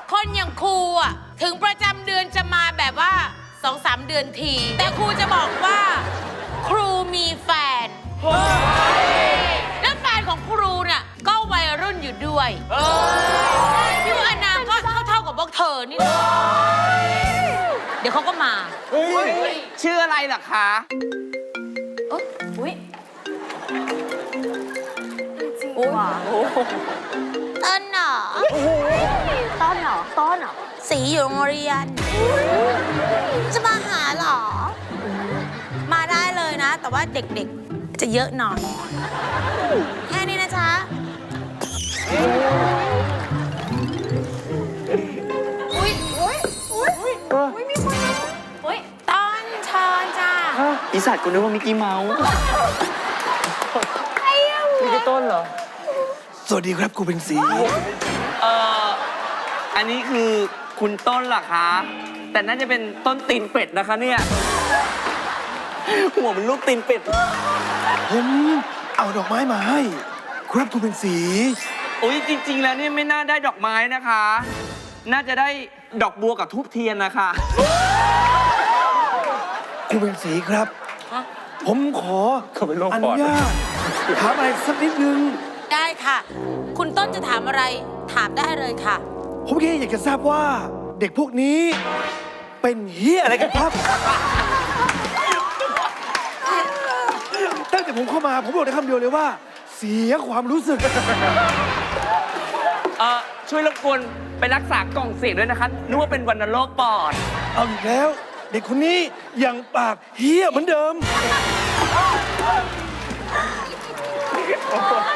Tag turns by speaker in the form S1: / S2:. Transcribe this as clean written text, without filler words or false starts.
S1: คนอย่างครูอ่ะถึงประจำเดือนจะมาแบบว่า2-3 เดือนที แต่ครูจะบอกว่า ครูมีแฟนแล้วแฟนของครูน่ะก็วัยรุ่นอยู่ด้วยพี่ว่าอนาคตเท่ากับพวกเธอนี่นะเดี๋ยวเขาก็มา
S2: ชื่ออะไรล่ะคะ
S3: อุ้ย
S1: ต้นเหรอ
S3: ต้นเหรอต้นเหรอ
S1: สีอยู่โรงเรียน จะมาหาเหรอ มาได้เลยนะ แต่ว่าเด็กๆ จะเยอะหน่อย แค่นี้นะจ๊ะ
S3: อุ้ยอุ้ยอุ้ยอุ้ยมีคนอุ้ย
S1: ต้นเชิญจ้า
S2: อีสัตว์กูนึกว่ามิกกี้เมาส์นี่คือต้นเหรอ
S4: สวัสดีครับครูเป็นสี
S2: อันนี้คือคุณต้นเหรอคะ แต่น่าจะเป็นต้นตีนเป็ดนะคะเนี่ย หัวมันลูกตีนเป็ด
S4: ผมเอาดอกไม้มาให้ ครับครูเป็นสี
S2: อุ้ยจริง ๆ แล้วเนี่ยไม่น่าได้ดอกไม้นะคะ น่าจะได้ดอกบัวกับทูบเทียนนะคะ
S4: ครูเป็นสีครับ ผมขอ
S2: เขาเป็นโรค
S4: อ
S2: ป
S4: นุ
S2: อด
S4: ญาตถามอะไรสักนิดนึง
S1: ได้ค่ะ คุณต้นจะถามอะไร ถามได้เลยค่ะ
S4: ผมแค่อยากจะทราบว่า เด็กพวกนี้ เป็นเฮียอะไรกันครับ ตั้งแต่ผมเข้ามาผมบอกได้คำเดียวเลยว่า เสียความรู้สึก
S2: ช่วยรบกวนไปรักษากล่องเสียงด้วยนะคะนึกว่าเป็นวัณโรคปอด
S4: เอาอีกแล้ว เด็กคนนี้ยังปากเฮียเหมือนเดิม